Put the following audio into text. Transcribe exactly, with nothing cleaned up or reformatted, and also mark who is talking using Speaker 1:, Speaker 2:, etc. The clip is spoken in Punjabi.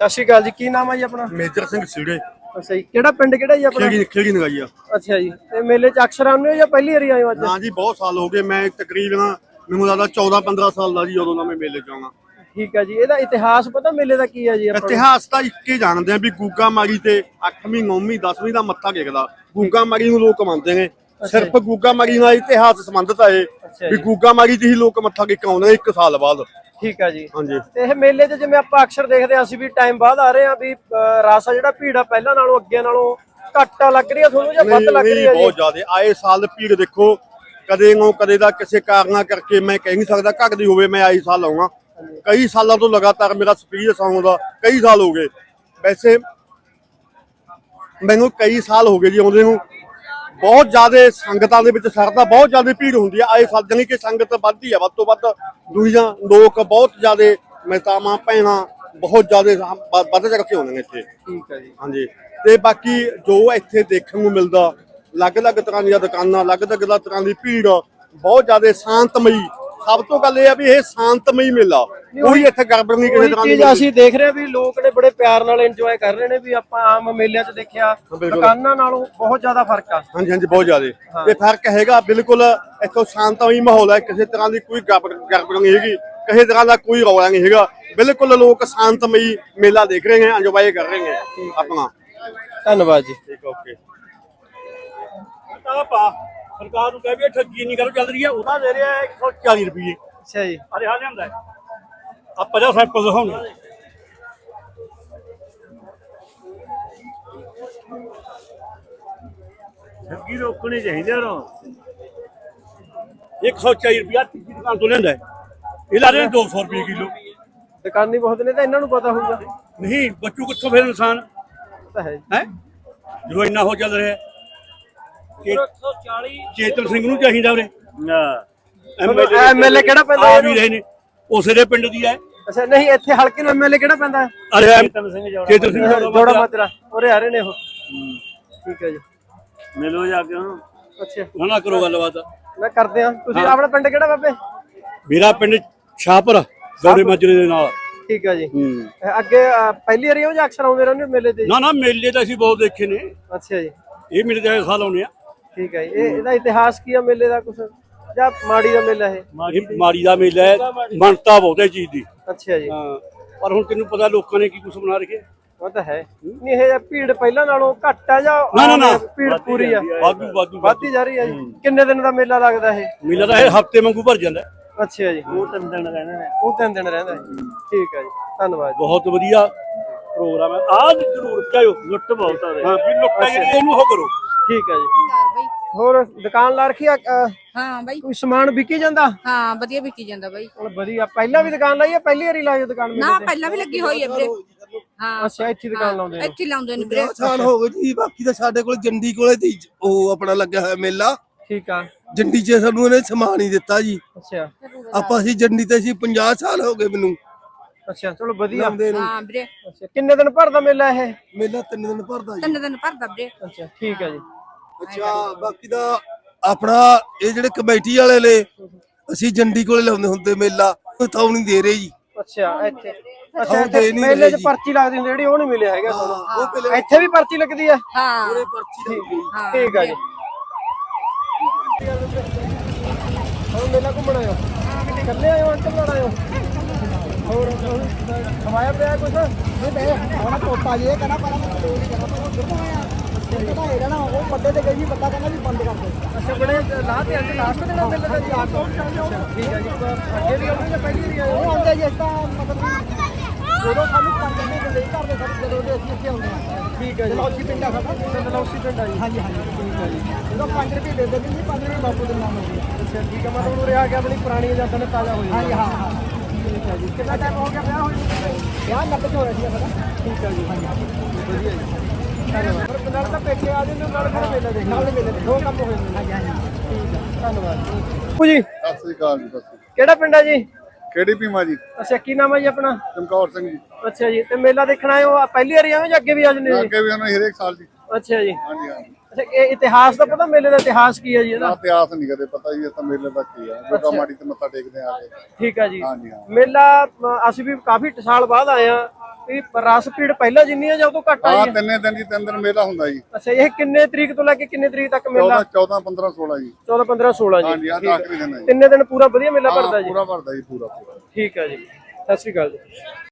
Speaker 1: ਸਤਿ ਸ਼੍ਰੀ ਅਕਾਲ ਜੀ। ਕੀ ਨਾਮ ਹੈ ਜੀ ਆਪਣਾ?
Speaker 2: ਮੇਜਰ ਸਿੰਘ ਸੀੜੇ।
Speaker 1: ਅੱਛਾ ਜੀ, ਕਿਹੜਾ ਪਿੰਡ ਕਿਹੜਾ ਜੀ ਆਪਣਾ?
Speaker 2: ਖੇੜੀ ਖੇੜੀ ਨਗਾਈ ਆ।
Speaker 1: ਅੱਛਾ ਜੀ, ਤੇ ਮੇਲੇ ਚ ਅਕਸਰ ਆਉਂਦੇ ਹੋ ਜਾਂ ਪਹਿਲੀ ਵਾਰੀ ਆਏ ਹੋ ਅੱਜ?
Speaker 2: ਨਾ ਜੀ, ਬਹੁਤ ਸਾਲ ਹੋ ਗਏ। ਮੈਂ ਤਕਰੀਬਨ ਮੈਨੂੰ ਲੱਗਦਾ ਚੌਦਾਂ ਪੰਦਰਾਂ ਸਾਲ ਦਾ ਜੀ ਉਦੋਂ ਦਾ ਮੈਂ ਮੇਲੇ ਚ ਆਉਣਾ।
Speaker 1: ਠੀਕ ਹੈ ਜੀ। ਇਹਦਾ ਇਤਿਹਾਸ ਪਤਾ ਮੇਲੇ ਦਾ ਕੀ ਹੈ ਜੀ ਆਪਾਂ ਨੂੰ?
Speaker 2: ਇਤਿਹਾਸ ਤਾਂ ਇੱਕ ਹੀ ਜਾਣਦੇ ਆ ਵੀ ਗੂਗਾ ਮਾਰੀ ਤੇ ਅੱਠਵੀਂ ਨੌਵੀਂ ਦਸਵੀਂ ਦਾ ਮੱਥਾ ਟੇਕਦਾ। ਗੂਗਾ ਮਾਰੀ ਨੂੰ ਲੋਕ ਮੰਨਦੇ ਨੇ, ਸਿਰਫ ਗੂਗਾ ਮਾਰੀ ਨਾਲ ਇਤਿਹਾਸ ਸੰਬੰਧਿਤ ਆ ਇਹ ਵੀ ਗੂਗਾ ਮਾਰੀ ਤੇ ਹੀ ਲੋਕ ਮੱਥਾ ਟੇਕ ਆਉਂਦੇ ਨੇ ਇੱਕ ਸਾਲ ਬਾਅਦ।
Speaker 1: ਠੀਕ ਹੈ ਜੀ।
Speaker 2: ਹਾਂਜੀ,
Speaker 1: ਤੇ ਇਹ ਮੇਲੇ 'ਚ ਜਿਵੇਂ ਆਪਾਂ ਅਕਸਰ ਦੇਖਦੇ ਹਾਂ, ਅਸੀਂ ਵੀ ਟਾਈਮ ਬਾਅਦ ਆ ਰਹੇ ਹਾਂ ਵੀ ਰਸ ਆ ਜਿਹੜਾ ਭੀੜ ਆ ਪਹਿਲਾਂ ਨਾਲੋਂ ਅੱਗੇ ਨਾਲੋਂ ਘੱਟ ਲੱਗ ਰਹੀ ਆ ਤੁਹਾਨੂੰ ਜਾਂ ਵੱਧ ਲੱਗ ਰਹੀ ਆ ਜੀ?
Speaker 2: ਬਹੁਤ ਜ਼ਿਆਦਾ ਆਏ ਸਾਲ ਭੀੜ ਦੇਖੋ, ਕਦੇ ਨੂੰ ਕਦੇ ਦਾ ਕਿਸੇ ਕਾਰਨਾਂ ਕਰਕੇ ਮੈਂ ਕਹਿ ਨਹੀਂ ਸਕਦਾ ਘਟਦੀ ਹੋਵੇ। ਮੈਂ ਆਈ ਸਾਲ ਆਉਣਾ, ਕਈ ਸਾਲਾਂ ਤੋਂ ਲਗਾਤਾਰ ਮੇਰਾ ਐਕਸਪੀਰੀਅੰਸ ਆਉਂਦਾ, ਕਈ ਸਾਲ ਹੋ ਗਏ। ਵੈਸੇ ਮੈਨੂੰ ਕਈ ਸਾਲ ਹੋ ਗਏ ਜੀ ਆਉਂਦੇ ਨੂੰ। ਬਹੁਤ ਜ਼ਿਆਦਾ ਸੰਗਤਾਂ ਦੇ ਵਿੱਚ ਸਰਦਾ, ਬਹੁਤ ਜ਼ਿਆਦਾ ਭੀੜ ਹੁੰਦੀ ਆ ਆਏ ਸਾਲ, ਜਾਣੀ ਕਿ ਸੰਗਤ ਵੱਧਦੀ ਆ ਵੱਧ ਤੋਂ ਵੱਧ। ਦੁਨੀਆ ਲੋਕ ਬਹੁਤ ਜ਼ਿਆਦਾ ਮਹਿਤਾਵਾਂ ਭੈਣਾਂ ਬਹੁਤ ਜ਼ਿਆਦਾ ਵੱਧ ਚੜ ਕੇ ਆਉਂਦੇ ਨੇ ਇੱਥੇ।
Speaker 1: ਠੀਕ ਹੈ ਜੀ।
Speaker 2: ਹਾਂਜੀ, ਤੇ ਬਾਕੀ ਜੋ ਇੱਥੇ ਦੇਖਣ ਨੂੰ ਮਿਲਦਾ, ਅਲੱਗ-ਅਲੱਗ ਤਰ੍ਹਾਂ ਦੀਆਂ ਦੁਕਾਨਾਂ, ਅਲੱਗ-ਅਲੱਗ ਤਰ੍ਹਾਂ ਦੀ ਭੀੜ, ਬਹੁਤ ਜ਼ਿਆਦਾ ਸ਼ਾਂਤਮਈ। ਸਭ ਤੋਂ ਗੱਲ ਇਹ ਆ ਵੀ ਇਹ ਸ਼ਾਂਤਮਈ ਮੇਲਾ, ਕੋਈ ਇੱਥੇ ਗੜਬੜ ਨਹੀਂ ਕਿਸੇ ਤਰ੍ਹਾਂ ਦੀ।
Speaker 1: ਅਸੀਂ ਦੇਖ ਰਹੇ ਵੀ ਲੋਕ ਨੇ ਬੜੇ ਪਿਆਰ ਨਾਲ ਇੰਜੋਏ ਕਰ ਰਹੇ ਨੇ ਵੀ ਆਪਾਂ ਆਮ ਮੇਲਿਆਂ 'ਚ ਦੇਖਿਆ ਦੁਕਾਨਾਂ ਨਾਲੋਂ ਬਹੁਤ ਜ਼ਿਆਦਾ ਫਰਕ ਆ।
Speaker 2: ਹਾਂਜੀ ਹਾਂਜੀ, ਬਹੁਤ ਜ਼ਿਆਦਾ ਇਹ ਫਰਕ ਹੈਗਾ। ਬਿਲਕੁਲ ਇੱਥੋਂ ਸ਼ਾਂਤਮਈ ਮਾਹੌਲ ਹੈ, ਕਿਸੇ ਤਰ੍ਹਾਂ ਦੀ ਕੋਈ ਗੜਬੜ ਨਹੀਂ ਹੈਗੀ, ਕਿਸੇ ਤਰ੍ਹਾਂ ਦਾ ਕੋਈ ਰੌਲਾ ਨਹੀਂ ਹੈਗਾ। ਬਿਲਕੁਲ ਲੋਕ ਸ਼ਾਂਤਮਈ ਮੇਲਾ ਦੇਖ ਰਹੇ ਨੇ, ਇੰਜੋਏ ਕਰ ਰਹੇ ਨੇ ਆਪਣਾ।
Speaker 1: ਧੰਨਵਾਦ ਜੀ।
Speaker 2: ਠੀਕ, ਓਕੇ।
Speaker 3: ਸਰਕਾਰ ਨੂੰ ਕਹਿ ਵੀ ਠੱਗੀ ਨਹੀਂ ਕਰੋ ਚੱਲ ਰਹੀ ਹੈ, ਉਹਦਾ ਦੇ ਰਿਹਾ ਇੱਕ ਸੌ ਚਾਲੀ ਰੁਪਏ।
Speaker 1: ਅੱਛਾ ਜੀ।
Speaker 3: ਅਰੇ ਹਾਂ ਲਿਆਂਦਾ ਆ ਪੰਜਾਹ ਸੈਂਪਲ ਦਿਖਾਉਣੇ। ਠੱਗੀ ਰੋਕਣੀ ਚਾਹੀਦੀ ਨਾ। ਇੱਕ ਸੌ ਚਾਲੀ ਰੁਪਏ ਤੀਜੀ ਦੁਕਾਨ ਤੋਂ ਲੈਂਦਾ, ਇਹ ਲਾ ਰਹੇ ਦੋ ਸੌ ਰੁਪਏ ਕਿਲੋ।
Speaker 1: ਦੁਕਾਨੀ ਬਹੁਤ ਨੇ ਤਾਂ ਇਹਨਾਂ ਨੂੰ ਪਤਾ ਹੋਊਗਾ।
Speaker 3: ਨਹੀਂ ਬੱਚੂ ਕਿੱਥੋਂ ਫਿਰ ਇਨਸਾਨ
Speaker 1: ਤਾਂ ਹੈ
Speaker 3: ਹੈ ਜਦੋਂ ਇੰਨਾ ਹੋ ਚੱਲ ਰਿਹਾ। ਚੇਤਨ ਸਿੰਘ ਨੂੰ ਚਾਹੀਦਾ ਉਰੇ।
Speaker 1: ਐਮਐਲਏ ਕਿਹੜਾ ਪੈਂਦਾ?
Speaker 3: ਆ ਵੀ ਰਹੇ ਨੇ, ਉਸੇ ਦੇ ਪਿੰਡ ਦੀ ਹੈ।
Speaker 1: ਅੱਛਾ, ਨਹੀਂ ਇੱਥੇ ਹਲਕੇ ਨੂੰ ਐਮਐਲਏ ਕਿਹੜਾ ਪੈਂਦਾ?
Speaker 3: ਅਰੇ ਚੇਤਨ ਸਿੰਘ ਚੇਤਨ ਸਿੰਘ
Speaker 1: ਜੋੜਾ ਮਾਜਰਾ ਉਰੇ ਆ ਰਹੇ ਨੇ ਉਹ। ਠੀਕ ਹੈ ਜੀ,
Speaker 3: ਮਿਲੋ ਜਾ ਕੇ ਉਹਨੂੰ।
Speaker 1: ਅੱਛਾ,
Speaker 3: ਨਾ ਨਾ ਕਰੋ ਗੱਲਬਾਤ।
Speaker 1: ਮੈਂ ਕਰਦੇ ਆ। ਤੁਸੀਂ ਆਪਣਾ ਪਿੰਡ ਕਿਹੜਾ ਬਾਬੇ?
Speaker 3: ਮੇਰਾ ਪਿੰਡ ਸ਼ਾਹਪੁਰ, ਜੋੜੇ ਮਾਜਰੇ ਦੇ ਨਾਲ।
Speaker 1: ਠੀਕ ਹੈ ਜੀ। ਅੱਗੇ ਪਹਿਲੀ ਵਾਰੀ ਹੋ ਜਾਂ ਅਕਸਰ ਆਉਂਦੇ ਰਹਿੰਦੇ ਮੇਲੇ ਤੇ?
Speaker 3: ਨਾ ਨਾ, ਮੇਲੇ ਤਾਂ ਅਸੀਂ ਬਹੁਤ ਦੇਖੇ ਨੇ।
Speaker 1: ਅੱਛਾ ਜੀ।
Speaker 3: ਇਹ ਮੇਲੇ ਦੇ ਸਾਲ ਆਉਂਦੇ ਆ। ਠੀਕ
Speaker 1: ਹੈ ਜੀ। ਇਹ ਇਹਦਾ ਇਤਿਹਾਸ ਕੀ ਆ ਮੇਲੇ ਦਾ ਕੁਛ, ਜਾਂ ਮਾੜੀ ਦਾ ਮੇਲਾ ਇਹ?
Speaker 3: ਇਹ ਮਾੜੀ ਦਾ ਮੇਲਾ ਹੈ, ਬਣਤਾ ਬਹੁਤ ਹੈ ਚੀਜ਼ ਦੀ।
Speaker 1: ਅੱਛਾ ਜੀ।
Speaker 3: ਹਾਂ, ਪਰ ਹੁਣ ਤੈਨੂੰ ਪਤਾ ਲੋਕਾਂ ਨੇ ਕੀ ਕੁਛ ਬਣਾ ਰੱਖਿਆ।
Speaker 1: ਉਹ ਤਾਂ ਹੈ ਨਹੀਂ, ਇਹ ਭੀੜ ਪਹਿਲਾਂ ਨਾਲੋਂ ਘੱਟ ਆ ਜਾਂ
Speaker 3: ਨਾ ਨਾ ਨਾ
Speaker 1: ਭੀੜ ਪੂਰੀ ਆ?
Speaker 3: ਵਾਧੂ ਵਾਧੂ
Speaker 1: ਵੱਧਦੀ ਜਾ ਰਹੀ ਆ ਜੀ। ਕਿੰਨੇ ਦਿਨ ਦਾ ਮੇਲਾ ਲੱਗਦਾ ਇਹ?
Speaker 3: ਮੇਲਾ ਤਾਂ ਇਹ ਹਫਤੇ ਵਾਂਗੂ ਭਰ ਜਾਂਦਾ।
Speaker 1: ਅੱਛਾ ਜੀ। ਉਹ ਤਿੰਨ ਦਿਨ ਰਹਿੰਦੇ ਨੇ? ਉਹ ਤਿੰਨ ਦਿਨ ਰਹਿੰਦਾ। ਠੀਕ ਹੈ ਜੀ, ਧੰਨਵਾਦ।
Speaker 3: ਬਹੁਤ ਵਧੀਆ ਪ੍ਰੋਗਰਾਮ ਹੈ। ਆਹ ਜ਼ਰੂਰ ਚਾਹੋ ਲੁੱਟ ਬਹੁਤ ਆ। ਹਾਂ ਵੀ ਲੁੱਟਾ ਜਿਹੜੀ ਇਹਨੂੰ ਹੋ ਕਰੋ।
Speaker 1: ਠੀਕ ਹੈ ਜੀ। ਹੋਰ ਦੁਕਾਨ ਲਾ ਰੱਖੀ ਆ?
Speaker 4: ਹਾਂ ਬਾਈ,
Speaker 1: ਕੋਈ ਸਮਾਨ ਵਿਕੀ ਜਾਂਦਾ?
Speaker 4: ਹਾਂ ਵਧੀਆ ਵਿਕੀ ਜਾਂਦਾ ਬਾਈ।
Speaker 1: ਵਧੀਆ। ਪਹਿਲਾਂ ਵੀ ਦੁਕਾਨ ਲਾਈ ਆ? ਪਹਿਲੀ ਵਾਰੀ ਲਾਈ ਦੁਕਾਨ?
Speaker 4: ਨਾ ਪਹਿਲਾਂ ਵੀ ਲੱਗੀ ਹੋਈ ਹੈ ਵੀਰੇ। ਹਾਂ
Speaker 1: ਅੱਛਾ, ਇੱਥੇ ਦੁਕਾਨ ਲਾਉਂਦੇ ਨੇ?
Speaker 4: ਇੱਥੇ ਲਾਉਂਦੇ ਨੇ ਵੀਰੇ।
Speaker 5: ਸਾਲ ਹੋ ਗਏ ਜੀ। ਬਾਕੀ ਤਾਂ ਸਾਡੇ ਕੋਲ ਜੰਡੀ ਕੋਲੇ ਦੀ ਉਹ ਆਪਣਾ ਲੱਗਿਆ ਹੋਇਆ ਮੇਲਾ।
Speaker 1: ਠੀਕ ਆ।
Speaker 5: ਜੰਡੀ 'ਚ ਸਾਨੂੰ ਇਹਨੇ ਸਮਾਨ ਹੀ ਦਿੱਤਾ ਜੀ।
Speaker 1: ਅੱਛਾ,
Speaker 5: ਆਪਾਂ ਅਸੀਂ ਜੰਡੀ ਤੇ ਅਸੀਂ ਪੰਜਾਹ ਸਾਲ ਹੋ ਗਏ ਮੈਨੂੰ।
Speaker 1: ਅੱਛਾ, ਚਲੋ ਵਧੀਆ।
Speaker 4: ਹਾਂ ਵੀਰੇ।
Speaker 1: ਅੱਛਾ, ਕਿੰਨੇ ਦਿਨ ਭਰਦਾ ਮੇਲਾ ਇਹ?
Speaker 5: ਮੇਲਾ ਤਿੰਨ ਦਿਨ ਭਰਦਾ ਜੀ।
Speaker 4: ਤਿੰਨ ਦਿਨ ਭਰਦਾ ਵੀਰੇ।
Speaker 1: ਅੱਛਾ, ਠੀਕ ਹੈ ਜੀ।
Speaker 5: ਅੱਛਾ, ਬਾਕੀ ਦਾ ਆਪਣਾ ਇਹ ਜਿਹੜੇ ਕਮੇਟੀ ਵਾਲੇ ਨੇ, ਅਸੀਂ ਜੰਡੀ ਕੋਲੇ ਲਾਉਂਦੇ ਹੁੰਦੇ ਮੇਲਾ, ਥਾਉ ਨਹੀਂ ਦੇ ਰਹੇ ਜੀ।
Speaker 1: ਅੱਛਾ, ਇੱਥੇ ਅੱਛਾ ਇੱਥੇ ਮੇਲੇ 'ਚ ਪਰਚੀ ਲੱਗਦੀ ਹੁੰਦੀ ਜਿਹੜੀ, ਉਹ ਨਹੀਂ ਮਿਲਿਆ ਹੈਗਾ ਤੁਹਾਨੂੰ? ਇੱਥੇ ਵੀ ਪਰਚੀ ਲੱਗਦੀ ਆ?
Speaker 4: ਹਾਂ
Speaker 5: ਪਰਚੀ
Speaker 1: ਠੀਕ ਆ ਜੀ। ਹੁਣ ਮੇਲਾ ਘੁੰਮਣ ਆਇਓ? ਇਕੱਲੇ ਆਇਓ ਅੰਕਲ ਨਾਲ ਆਇਓ? ਹੋਰ ਖਵਾਇਆ ਪਿਆ ਕੁਛ?
Speaker 6: ਹੁਣ ਤੋਤਾ ਜੇ ਕਹਿੰਦਾ ਪਰ ਉਹ ਪੱਡੇ ਤੇ ਗਈ, ਬੰਦਾ ਕਹਿੰਦਾ ਵੀ ਬੰਦ ਕਰ ਦੇ।
Speaker 1: ਅੱਛਾ, ਬੜੇ ਲਾਹ ਤੇ ਅੱਜ ਲਾਸਟ ਦਿਨ ਮੇਲੇ ਦਾ ਜੀ? ਠੀਕ ਹੈ ਜੀ। ਅੱਗੇ ਵੀ ਆਉਂਦੇ ਜਾਂ ਪਹਿਲੀ ਵਾਰੀ ਆਏ?
Speaker 6: ਉਹ ਆਉਂਦੇ ਜਿਸ ਤਾਂ ਮਤਲਬ ਜਦੋਂ ਸਾਨੂੰ ਪੰਜ ਮਹੀਨੇ ਦੇ ਕਰਦੇ ਸਾਡੇ ਜਦੋਂ ਦੇ ਅਸੀਂ ਇੱਥੇ ਆਉਂਦੇ ਹਾਂ।
Speaker 1: ਠੀਕ ਹੈ ਜੀ।
Speaker 6: ਦਲੌਸੀ ਪਿੰਡ ਆ ਸਾਡਾ।
Speaker 1: ਦਲੌਸੀ ਪਿੰਡ ਆ ਜੀ?
Speaker 6: ਹਾਂਜੀ ਹਾਂਜੀ, ਠੀਕ ਹੈ ਜੀ। ਜਦੋਂ ਪੰਜ ਰੁਪਏ ਦੇ ਦਿੰਦੇ ਜੀ, ਪੰਜ ਰੁਪਏ ਬਾਪੂ ਦੇ ਨਾਮ ਹੋ ਗਿਆ।
Speaker 1: ਅੱਛਾ, ਠੀਕ ਹੈ। ਮਤਲਬ ਉਰੇ ਆ ਕੇ ਆਪਣੀ ਪੁਰਾਣੀ ਯਾਦਾਂ ਨੇ ਤਾਜ਼ਾ ਹੋ
Speaker 6: ਹਾਂਜੀ
Speaker 1: ਜਾਂਦੀਆਂ?
Speaker 6: ਹਾਂ ਹਾਂ,
Speaker 1: ਠੀਕ ਹੈ ਜੀ।
Speaker 6: ਕਿੰਨਾ ਟਾਈਮ ਹੋ ਗਿਆ ਵਿਆਹ ਹੋਏ? ਵਿਆਹ ਨੱਬੇ 'ਚ ਹੋਇਆ ਸੀ ਸਾਡਾ।
Speaker 1: ਠੀਕ ਹੈ ਜੀ। ਵਧੀਆ ਜੀ, ਧੰਨਵਾਦ। ਪਰ ਨਾਲ ਤਾਂ ਪੇਕੇ ਆ ਜਾਂਦੇ, ਨਾਲ ਫਿਰ ਮੇਲਾ ਦੇਖ
Speaker 6: ਨਾਲ ਮੇਲੇ ਦੇ
Speaker 1: ਦੋ ਕੰਮ ਹੋ ਜਾਂਦੇ।
Speaker 6: ਹਾਂਜੀ ਹਾਂਜੀ,
Speaker 1: ਠੀਕ ਹੈ, ਧੰਨਵਾਦ ਜੀ।
Speaker 7: ਸਤਿ ਸ੍ਰੀ ਅਕਾਲ ਜੀ। ਸਤਿ ਸ੍ਰੀ ਅਕਾਲ।
Speaker 1: ਕਿਹੜਾ ਪਿੰਡ ਹੈ ਜੀ?
Speaker 7: ਕਿਹੜੀ ਭੀਮਾ ਜੀ?
Speaker 1: ਅੱਛਾ, ਕੀ ਨਾਮ ਹੈ ਜੀ ਆਪਣਾ?
Speaker 7: ਚਮਕੌਰ ਸਿੰਘ ਜੀ।
Speaker 1: ਅੱਛਾ ਜੀ। ਤੇ ਮੇਲਾ ਦੇਖਣ ਆਏ ਹੋ? ਪਹਿਲੀ ਵਾਰੀ ਆਏ ਜਾਂ ਅੱਗੇ ਵੀ ਆ ਜਾਂਦੇ ਜੀ?
Speaker 7: ਅੱਗੇ ਵੀ ਆਉਣਾ ਹਰੇਕ ਸਾਲ ਜੀ।
Speaker 1: ਅੱਛਾ ਜੀ।
Speaker 7: ਹਾਂਜੀ ਹਾਂਜੀ।
Speaker 1: ਅੱਛਾ, ਇਹ ਇਤਿਹਾਸ ਦਾ ਪਤਾ? ਮੇਲੇ ਦਾ ਇਤਿਹਾਸ ਕੀ ਹੈ ਜੀ ਇਹਦਾ?
Speaker 7: ਇਤਿਹਾਸ ਨਹੀਂ ਕਦੇ ਪਤਾ ਜੀ। ਇਹ ਤਾਂ ਮੇਲੇ ਦਾ ਕੀ ਆ, ਜੋਗਾ ਮਾੜੀ ਤੇ ਮੱਥਾ ਟੇਕਦੇ ਆ ਕੇ।
Speaker 1: ਠੀਕ ਹੈ ਜੀ।
Speaker 7: ਹਾਂਜੀ ਹਾਂ।
Speaker 1: ਮੇਲਾ ਅਸੀਂ ਵੀ ਕਾਫੀ ਸਾਲ ਬਾਅਦ ਆਏ ਆ, ਇਹ ਰਸ ਭੀੜ ਪਹਿਲਾਂ ਜਿੰਨੀ ਆ ਜਾਂ ਉਹ ਤੋਂ ਘੱਟ
Speaker 7: ਹਾਂ
Speaker 1: ਆਈ ਹੈ?
Speaker 7: ਤਿੰਨੇ ਦਿਨ ਜੀ ਤਿੰਨ ਦਿਨ ਮੇਲਾ ਹੁੰਦਾ ਜੀ
Speaker 1: ਅੱਛਾ, ਇਹ ਕਿੰਨੇ ਤਰੀਕ ਤੋਂ ਲੈ ਕੇ ਕਿੰਨੇ ਤਰੀਕ ਤੱਕ ਮੇਲਾ?
Speaker 7: ਚੌਦਾਂ ਚੌਦਾਂ ਪੰਦਰਾਂ ਸੋਲਾਂ ਜੀ
Speaker 1: ਚੌਦਾਂ ਪੰਦਰਾਂ ਸੋਲਾਂ ਜੀ।
Speaker 7: ਹਾਂਜੀ, ਆਹ
Speaker 1: ਠੀਕ ਹੈ।
Speaker 7: ਆਖਰੀ ਦਿਨ ਹੈ ਜੀ।
Speaker 1: ਤਿੰਨੇ ਦਿਨ ਪੂਰਾ ਵਧੀਆ ਮੇਲਾ
Speaker 7: ਹਾਂ,
Speaker 1: ਭਰਦਾ ਜੀ?
Speaker 7: ਪੂਰਾ ਭਰਦਾ ਜੀ ਪੂਰਾ ਪੂਰਾ
Speaker 1: ਠੀਕ ਹੈ ਜੀ, ਸਤਿ ਸ਼੍ਰੀ ਅਕਾਲ ਜੀ।